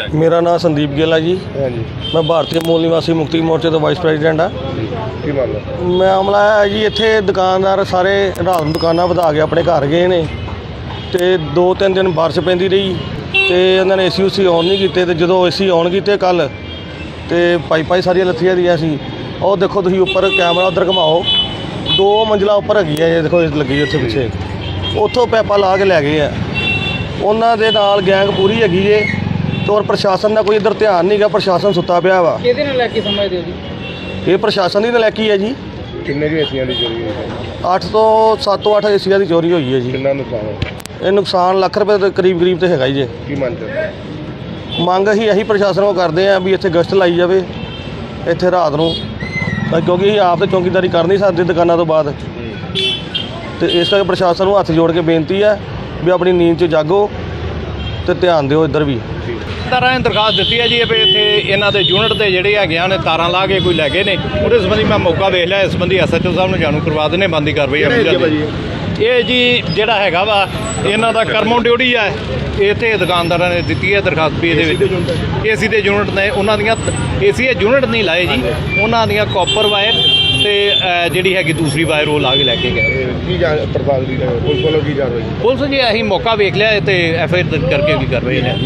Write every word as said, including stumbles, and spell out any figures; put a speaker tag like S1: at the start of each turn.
S1: मेरा नाम संदीप गिल है जी।
S2: हाँ जी।
S1: मैं भारतीय मूल निवासी मुक्ति मोर्चे तो वाइस प्रेजिडेंट हाँ।
S2: की मामला
S1: मामला है जी, इत्थे दुकानदार सारे रात ਨੂੰ ਦੁਕਾਨਾਂ ਵਧਾ ਕੇ ਆਪਣੇ ਘਰ ਗਏ ਨੇ ਤੇ ਦੋ ਤਿੰਨ ਦਿਨ ਬਾਰਿਸ਼ ਪੈਂਦੀ ਰਹੀ ਤੇ ਉਹਨਾਂ ਨੇ ਏਸੀ ਉਸੀ ਔਨ ਨਹੀਂ ਕੀਤੇ ਤੇ ਜਦੋਂ ਏਸੀ ਔਨ ਕੀਤੇ ਕੱਲ ਤੇ ਪਾਈਪਾਂ ਸਾਰੀਆਂ ਲੱਥੀਆਂ ਦੀਆਂ ਸੀ। ਉਹ ਦੇਖੋ ਤੁਸੀਂ ਉੱਪਰ ਕੈਮਰਾ ਉਧਰ ਘੁਮਾਓ, ਦੋ ਮੰਜ਼ਲਾ ਉੱਪਰ ਹੈਗੀ ਹੈ, ਇਹ ਦੇਖੋ ਲੱਗੀ ਉੱਥੇ ਪਿੱਛੇ, ਉੱਥੋਂ ਪੈਪਾਂ ਲਾ ਕੇ ਲੈ ਗਏ ਆ। ਉਹਨਾਂ ਦੇ ਨਾਲ ਗੈਂਗ ਪੂਰੀ ਹੈਗੀ ਜੇ ਤੇ ਔਰ ਪ੍ਰਸ਼ਾਸਨ ਦਾ ਕੋਈ ਇੱਧਰ ਧਿਆਨ ਨਹੀਂ ਗਾ। ਪ੍ਰਸ਼ਾਸਨ ਸੁੱਤਾ ਪਿਆ ਵਾ।
S3: ਕਿਹਦੇ ਨਾਲ ਲੈ ਕੇ ਸਮਝਦੇ ਹੋ ਜੀ?
S1: ਇਹ ਪ੍ਰਸ਼ਾਸਨ ਦੀ ਨਲਾਇਕੀ ਹੈ ਜੀ।
S2: ਕਿੰਨੇ ਦੀ ਏਸੀਆਂ ਦੀ ਚੋਰੀ ਹੋਈ?
S1: ਅੱਠ ਤੋਂ ਸੱਤ ਤੋਂ ਅੱਠ ਏਸੀਆਂ ਦੀ ਚੋਰੀ ਹੋਈ ਹੈ ਜੀ।
S2: ਕਿੰਨਾ ਨੁਕਸਾਨ ਹੋਇਆ?
S1: ਇਹ ਨੁਕਸਾਨ ਲੱਖ ਰੁਪਏ ਦੇ ਕਰੀਬ ਕਰੀਬ ਤੇ ਹੈਗਾ ਹੀ ਜੇ।
S2: ਕੀ ਮੰਗ ਕਰਦੇ?
S1: ਮੰਗ ਅਸੀਂ ਇਹੀ ਪ੍ਰਸ਼ਾਸਨ ਕੋਲ ਕਰਦੇ ਹਾਂ ਵੀ ਇੱਥੇ ਗਸ਼ਤ ਲਾਈ ਜਾਵੇ ਇੱਥੇ ਰਾਤ ਨੂੰ, ਤਾਂ ਕਿਉਂਕਿ ਅਸੀਂ ਆਪ ਤਾਂ ਚੌਕੀਦਾਰੀ ਕਰ ਨਹੀਂ ਸਕਦੇ ਦੁਕਾਨਾਂ ਤੋਂ ਬਾਅਦ, ਤੇ ਇਸ ਕਰਕੇ ਪ੍ਰਸ਼ਾਸਨ ਨੂੰ ਹੱਥ ਜੋੜ ਕੇ ਬੇਨਤੀ ਹੈ ਵੀ ਆਪਣੀ ਨੀਂਦ 'ਚ ਜਾਗੋ ਤੇ ਧਿਆਨ ਦਿਓ ਇੱਧਰ ਵੀ।
S4: ਤਾਰਾਂ ਨੇ ਦਰਖਾਸਤ ਦਿੱਤੀ ਹੈ ਜੀ ਵੀ ਇੱਥੇ ਇਹਨਾਂ ਦੇ ਯੂਨਿਟ ਦੇ ਜਿਹੜੇ ਹੈਗੇ ਨੇ ਤਾਰਾਂ ਲਾ ਕੇ ਕੋਈ ਲੈ ਗਏ ਨੇ। ਉਹਦੇ ਸੰਬੰਧੀ ਮੈਂ ਮੌਕਾ ਵੇਖ ਲਿਆ। ਇਸ ਸੰਬੰਧੀ ਐਸ ਐਚ ਓ ਸਾਹਿਬ ਨੂੰ ਜਾਣੂ ਕਰਵਾ ਦਿੰਦੇ ਬੰਦੀ ਕਾਰਵਾਈ ਇਹ ਜੀ ਜਿਹੜਾ ਹੈਗਾ ਵਾ ਇਹਨਾਂ ਦਾ ਕਰਮੋਂ ਡਿਊਟੀ ਹੈ। ਇੱਥੇ ਦੁਕਾਨਦਾਰਾਂ ਨੇ ਦਿੱਤੀ ਹੈ ਦਰਖਾਸਤ ਵੀ ਇਹਦੇ ਵਿੱਚ ਏਸੀ ਦੇ ਯੂਨਿਟ ਨੇ, ਉਹਨਾਂ ਦੀਆਂ ਏਸੀ ਦੇ ਯੂਨਿਟ ਨਹੀਂ ਲਾਏ ਜੀ, ਉਹਨਾਂ ਦੀਆਂ ਕਾਪਰ ਵਾਇਰ ਤੇ ਜਿਹੜੀ ਹੈਗੀ ਦੂਸਰੀ ਵਾਇਰ ਉਹ ਲਾ ਕੇ ਲੈ ਕੇ ਗਏ।
S2: ਕੀ ਜਾਣ ਪੜਤਾਲ ਦੀ ਪੁਲਿਸ ਵੱਲੋਂ ਕੀ ਕਾਰਵਾਈ?
S4: ਪੁਲਿਸ ਜੀ ਅਸੀਂ ਮੌਕਾ ਵੇਖ ਲਿਆ ਤੇ ਐਫ ਆਈ ਆਰ ਕਰਕੇ ਕੀ ਕਰ ਰਹੇ ਨੇ।